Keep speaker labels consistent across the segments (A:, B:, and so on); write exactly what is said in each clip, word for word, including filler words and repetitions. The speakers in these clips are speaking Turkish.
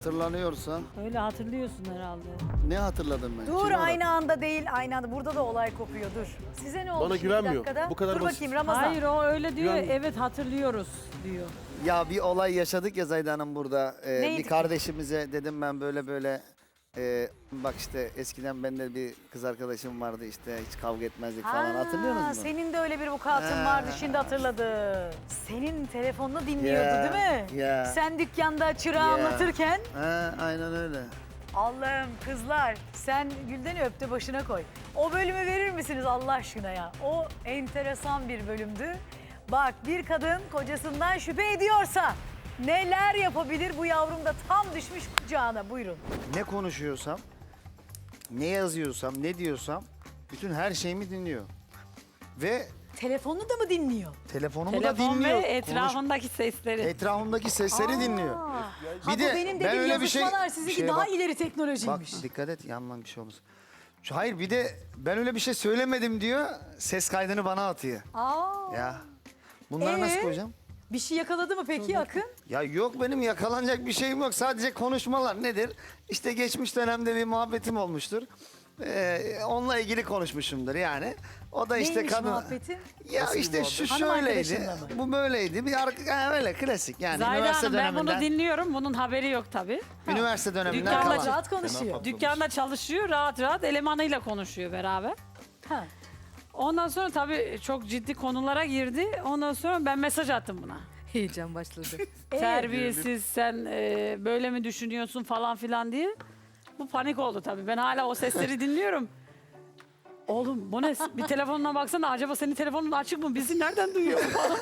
A: Hatırlanıyorsan
B: Öyle hatırlıyorsun herhalde.
A: ne hatırladım ben?
C: Dur
A: Kim o
C: aynı anda değil aynı anda. Burada da olay kopuyor dur. Size ne oldu
D: Bana
C: şimdi
D: güvenmiyor.
C: bir dakikada?
D: Bu kadar
C: dur
D: basit.
C: bakayım Ramazan.
B: Hayır o öyle diyor.
D: Güven-
B: Evet hatırlıyoruz diyor.
A: Ya bir olay yaşadık ya Zayda Hanım burada. Ee,
C: Neydi
A: bir
C: ki?
A: kardeşimize dedim ben böyle böyle e, bak işte eskiden bende bir kız arkadaşım vardı işte hiç kavga etmezdik falan
C: Ha,
A: hatırlıyor musun?
C: Senin de öyle bir vukuatın
A: Ha.
C: vardı şimdi hatırladım. Senin telefonunu dinliyordu
A: Ya,
C: değil mi?
A: ya.
C: Sen dükkanda çırağı
A: Ya.
C: anlatırken.
A: Ha, aynen öyle.
C: Allah'ım kızlar sen Gülden'i öpte başına koy. O bölümü verir misiniz Allah aşkına ya? O enteresan bir bölümdü. Bak bir kadın kocasından şüphe ediyorsa neler yapabilir bu yavrum da tam düşmüş kucağına buyurun.
A: Ne konuşuyorsam, ne yazıyorsam, ne diyorsam bütün her şeyimi dinliyor. Ve
C: Telefonunu da mı dinliyor?
A: telefonumu da
B: Telefon ve
A: dinliyor. Konuş-
B: etrafındaki sesleri.
A: Etrafımdaki sesleri dinliyor.
C: Aa, ha,
A: Bir
C: bu
A: de
C: benim
A: ben
C: dediğim
A: öyle bir şey-
C: yazışmalar
A: bir
C: sizinki
A: şeye
C: daha
A: bak-
C: ileri
A: Bak
C: teknolojiymiş.
A: dikkat et yandan bir şey olmasın. Şu- Hayır bir de ben öyle bir şey söylemedim diyor. Ses kaydını bana atıyor.
C: Aa,
A: Ya bunları
C: Ee?
A: nasıl koyacağım?
C: bir şey yakaladı mı peki Akın?
A: Ya yok benim yakalanacak bir şeyim yok. Sadece konuşmalar nedir? İşte geçmiş dönemde bir muhabbetim olmuştur. Ee, onunla ilgili konuşmuşumdur yani. O da işte
C: Neymiş
A: kadın...
C: muhabbetin?
A: Ya
D: Nasıl bir
A: işte şu
C: Hanım
A: şöyleydi.
C: arkadaşınla mı?
A: Bu böyleydi. Bir arka, yani öyle klasik yani.
B: Zahide
A: üniversite
B: Hanım ben
A: döneminden.
B: bunu dinliyorum. Bunun haberi yok tabii.
A: Üniversite döneminden
B: Dükkanda
A: kalan.
C: Rahat rahat konuşuyor.
B: Dükkanda çalışıyor, rahat rahat elemanıyla konuşuyor beraber.
C: Ha.
B: Ondan sonra tabii çok ciddi konulara girdi. Ondan sonra ben mesaj attım buna.
E: Heyecan başladı.
C: Ee,
B: Terbiyesiz sen e, böyle mi düşünüyorsun falan filan diye. Bu panik oldu tabii. Ben hala o sesleri dinliyorum. Oğlum bu ne? Bir telefonuna baksana acaba senin telefonun açık mı? Bizi nereden duyuyor?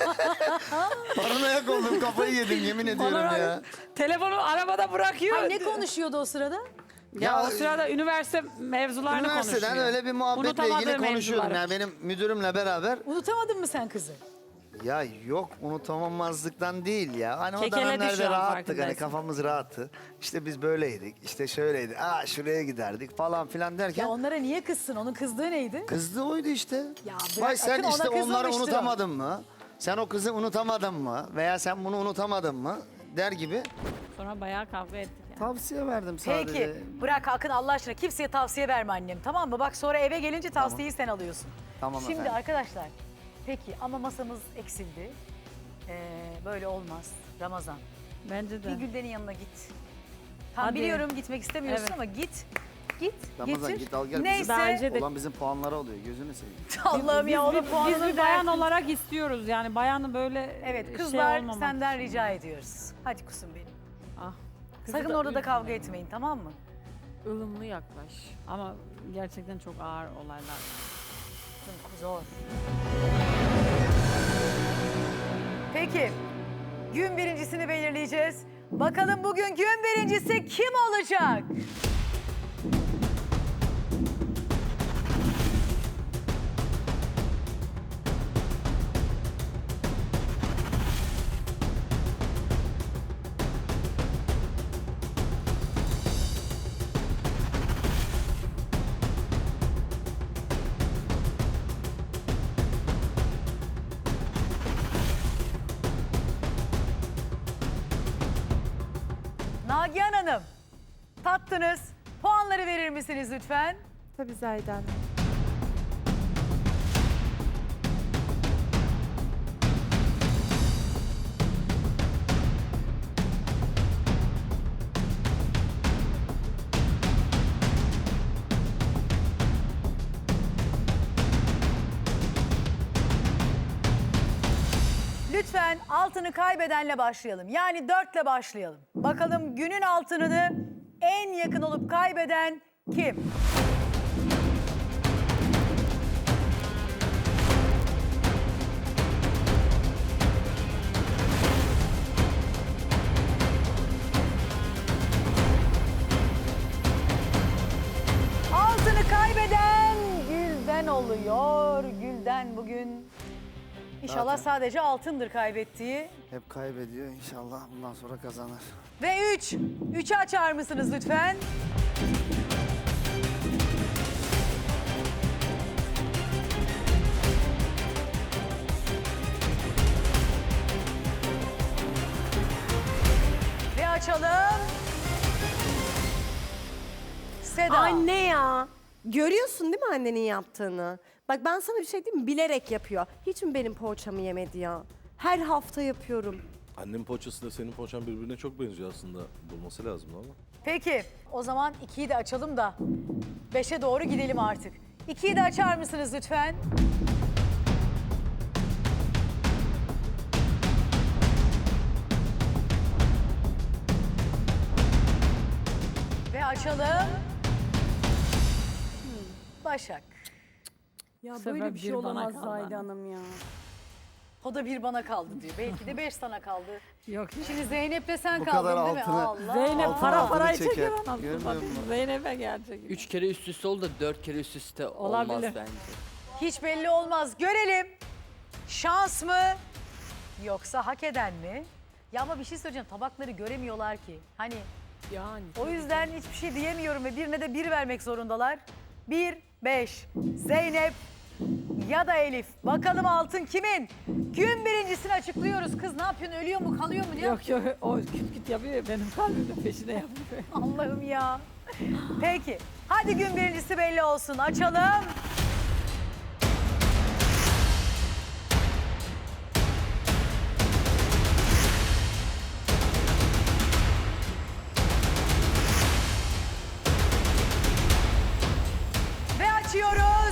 A: Paranoyak oldum kafayı yedim yemin ediyorum
B: Bana
A: ya.
B: Telefonu arabada bırakıyor.
C: Ay, ne konuşuyordu o sırada?
B: Ya,
A: Ya,
B: o sırada üniversite mevzularını
A: Üniversiteden
B: konuşuyor.
A: öyle bir muhabbetle
B: Unutamadığı
A: ilgili konuşuyordum.
B: mevzuları.
A: Yani benim müdürümle beraber.
C: Unutamadın mı sen kızı?
A: Ya yok unutamamazlıktan değil ya. Hani o
B: Kekeledi
A: dönemlerde
B: şu an,
A: rahattık hani
B: farkındaysın.
A: kafamız rahattı. İşte biz böyleydik işte şöyleydi. Aa şuraya giderdik falan filan derken.
C: Ya onlara niye kızsın? Onun kızdığı neydi?
A: Kızdı oydu işte.
C: Ya bırak,
A: Vay sen
C: Akın ona
A: işte onları
C: kızmamıştır o.
A: unutamadın mı? Sen o kızı unutamadın mı? Veya sen bunu unutamadın mı? Der gibi.
B: Sonra bayağı kavga ettik yani.
A: Tavsiye verdim sadece.
C: Peki bırak Akın Allah aşkına kimseye tavsiye verme annem tamam mı? Bak sonra eve gelince tavsiyeyi sen alıyorsun.
A: Tamam
C: Şimdi
A: efendim.
C: arkadaşlar peki ama masamız eksildi. Ee, böyle olmaz Ramazan.
B: Bence de.
C: Bir Gülden'in yanına git. Tam
B: Hadi.
C: biliyorum gitmek istemiyorsun
B: Evet.
C: ama git. Git
A: Ramazan
C: getir.
A: git al gel.
C: Neyse.
A: Bizim,
B: Bence de.
A: olan bizim puanlara oluyor gözünü seveyim.
C: Allah'ım ya onun
B: biz, biz
C: puanını
B: bir bayan
C: dersin.
B: olarak istiyoruz yani bayanı böyle
C: Evet
B: şey
C: kızlar
B: olmamak
C: senden
B: için.
C: rica ediyoruz. Hadi kusum benim.
B: Ah. Kızı
C: Sakın
B: da
C: orada da
B: üzme
C: kavga
B: beni.
C: etmeyin tamam mı?
E: ılımlı yaklaş.
B: Ama gerçekten çok ağır olaylar.
C: Zor. Peki gün birincisini belirleyeceğiz. Bakalım bugün gün birincisi kim olacak? Nagihan Hanım, tattınız. Puanları verir misiniz lütfen?
E: Tabii Zahide Hanım.
C: Lütfen altını kaybedenle başlayalım. Yani dörtle başlayalım. Bakalım günün altınını en yakın olup kaybeden kim? Altını kaybeden Gülden oluyor. Gülden bugün İnşallah
A: Zaten.
C: sadece altındır kaybettiği.
A: Hep kaybediyor inşallah bundan sonra kazanır.
C: Ve üç. Üçü açar mısınız lütfen? Ve açalım. Seda.
D: Anne ya. Görüyorsun değil mi annenin yaptığını? Bak ben sana bir şey diyeyim mi? Bilerek yapıyor. Hiç mi benim poğaçamı yemedi ya? Her hafta yapıyorum.
F: Annemin poğaçası da senin poğaçan birbirine çok benziyor aslında. Bulması lazım ama.
C: Peki o zaman ikiyi de açalım da beşe doğru gidelim artık. ikiyi de açar mısınız lütfen? Ve açalım. Başak.
D: Ya
B: Bu sefer
D: böyle bir şey
B: bir bana
D: olamaz
B: kaldı.
D: Zahide Hanım ya.
C: O da bir bana kaldı diyor. Belki de beş sana kaldı.
B: Yok.
C: Şimdi Zeynep'le sen
A: Bu
C: kaldın
A: kadar
C: değil mi?
A: altını-
C: Allah.
B: Zeynep
A: Altına
B: para
A: altını
B: parayı
A: çeker.
B: çeker anasını
A: Görmüyor
B: satayım.
A: musun?
B: Zeynep'e gelecek.
G: Üç kere üst üste oldu da dört kere üst üste olmaz
B: Olabilir.
G: bence.
C: Hiç belli olmaz. Görelim. Şans mı yoksa hak eden mi? Ya ama bir şey söyleyeceğim. Tabakları göremiyorlar ki. Hani
E: Yani.
C: o yüzden hiçbir şey diyemiyorum ve birine de bir vermek zorundalar. Bir, beş. Zeynep ya da Elif. Bakalım altın kimin? Gün birincisini açıklıyoruz. Kız ne yapıyorsun? Ölüyor mu? Kalıyor mu? Ne
B: Yok yok o küt küt yapıyor ya, benim kalbimin peşine yapıyor.
C: Allah'ım ya. Peki. Hadi gün birincisi belli olsun. Açalım. Ve açıyoruz.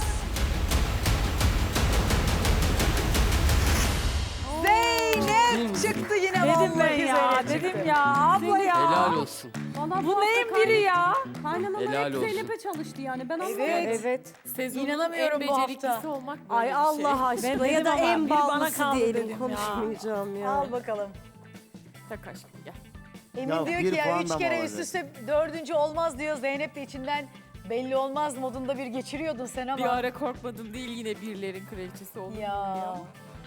C: Zeynep çıktı yine
B: Dedim
C: vallahi
B: ben ya,
C: Zeynep çıktı.
B: dedim ya abla ya.
G: Helal olsun.
B: Bu neyin biri ya?
D: Kaynanam
G: Helal
D: hep
G: olsun.
D: Zeynep'e çalıştı yani. Ben anlamadım.
C: Evet.
D: Evet.
E: Sezonun
C: İnanamıyorum
E: en
C: bu
E: beceriklisi
C: hafta.
E: olmak böyle
D: Ay
E: bir şey.
D: Allah aşkına
B: Ben
D: ya da
B: dedim ama
D: en
B: biri bana
D: ballısı
B: kaldı
D: diyelim.
B: dedim ya.
D: Konuşmayacağım ya.
C: Al bakalım.
E: Tak aşkım gel.
C: Emin
A: Ya
C: diyor
A: bir
C: ki ya
A: puan
C: üç
A: da mı
C: kere
A: alacak?
C: üst üste dördüncü olmaz diyor. Zeynep de içinden belli olmaz modunda bir geçiriyordun sen ama.
E: Bir ara korkmadım değil yine birilerin kraliçesi oldum.
C: Ya.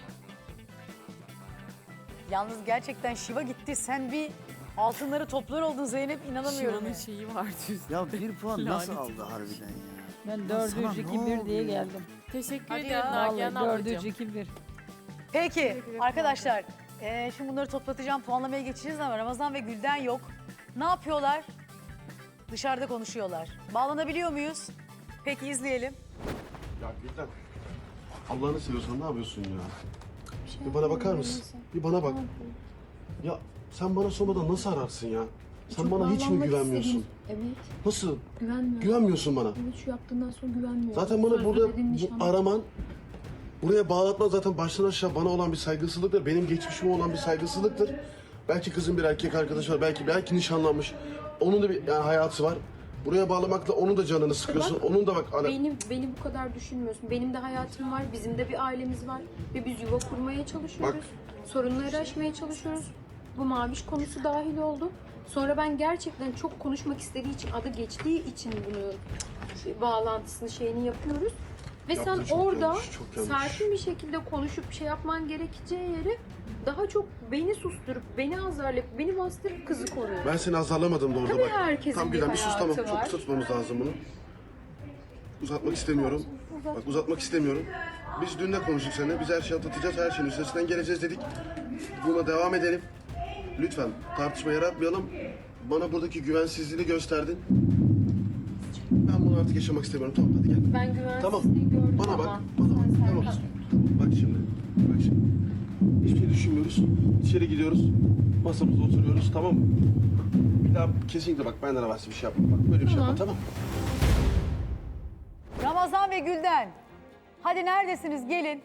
C: Yalnız gerçekten şiva gitti. Sen bir altınları toplar oldun Zeynep. İnanamıyorum.
E: Şivan'ın
C: ya.
E: şeyi var düzde.
A: Ya bir puan nasıl
E: Lanet.
A: aldı harbiden ya?
B: Ben
A: sana
B: dördüncü
A: ne
B: iki bir diye
A: oluyor?
B: geldim.
E: Teşekkür
C: Hadi
E: ederim
C: ya.
E: Nagihan
B: Vallahi dördüncü
E: ablacığım.
B: iki bir.
C: Peki arkadaşlar. eee, şimdi bunları toplatacağım. Puanlamaya geçeceğiz ama Ramazan ve Gülden yok. Ne yapıyorlar? Dışarıda konuşuyorlar. Bağlanabiliyor muyuz? Peki izleyelim.
H: Ya Gülden, Allah'ını seviyorsan ne yapıyorsun ya? Bir bana bakar mısın? Bir bana bak. Ya sen bana sormadan nasıl ararsın ya? Sen bana hiç mi
I: Bağlanmak
H: güvenmiyorsun?
I: istedim. Evet,
H: Nasıl?
I: güvenmiyorum.
H: Güvenmiyorsun bana.
I: Evet, şu yaptığından sonra güvenmiyorum.
H: Zaten bana
I: Sözde
H: burada
I: dediğin
H: bu
I: nişanlı.
H: araman, buraya bağlatma zaten baştan aşağı bana olan bir saygısızlıktır. Benim geçmişime olan bir saygısızlıktır. Belki kızın bir erkek arkadaşı var, belki belki nişanlanmış. Onun da bir yani hayatı var. Buraya bağlamakla onun da canını sıkıyorsun. Onun da bak ana-
I: Beni, beni bu kadar düşünmüyorsun. Benim de hayatım var, bizim de bir ailemiz var. Ve biz yuva kurmaya çalışıyoruz.
H: Bak.
I: Sorunları aşmaya çalışıyoruz. Bu maviş konusu dahil oldu. Sonra ben gerçekten çok konuşmak istediği için, adı geçtiği için bunu şey, bağlantısını şeyini yapıyoruz. Ve
H: Yaptın,
I: sen
H: çok
I: orada
H: yanlış, çok yanlış.
I: sakin bir şekilde konuşup şey yapman gerekeceği yere daha çok beni susturup, beni azarlayıp, beni bastırıp kızı koruyor.
H: Ben seni azarlamadım da orada
I: Tabii
H: bak.
I: herkesin
H: Tamam
I: bir
H: Gülden bir sus tamam.
I: hayatı
H: Çok
I: var.
H: kısa tutmamız lazım bunu. Uzatmak istemiyorum. Bak uzatmak istemiyorum. Biz dün de konuştuk seninle. Biz her şeyi atlatacağız. Her şeyin üstesinden geleceğiz dedik. Buna devam edelim. Lütfen tartışma yaratmayalım. Bana buradaki güvensizliğini gösterdin. Ben bunu artık yaşamak istemiyorum. Tamam hadi gel.
I: Ben güvensizliği
H: Tamam.
I: gördüm
H: Bana bak.
I: ama
H: Bana bak.
I: sen
H: Tamam.
I: sen-
H: Bak şimdi. Bak şimdi. Hiçbir şey düşünmüyoruz. İçeri gidiyoruz. Masamızda oturuyoruz. Tamam mı? Bir daha kesinlikle bak benden havası bir şey yapma. Bak böyle bir şey yapma tamam mı?
C: Ramazan ve Gülden. Hadi neredesiniz? Gelin.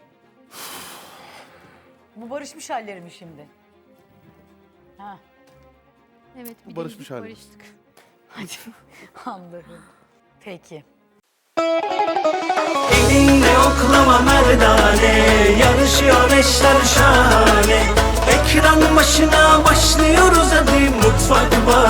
C: Bu barışmış halleri mi şimdi? Ha,
I: Evet, bir
H: Barışmış
I: de biz
H: hali.
I: barıştık.
C: Allah'ım. Peki.
J: Elinle oklama merdane, yarışıyor eşler şahane. Ekran başına başlıyoruz hadi mutfak var.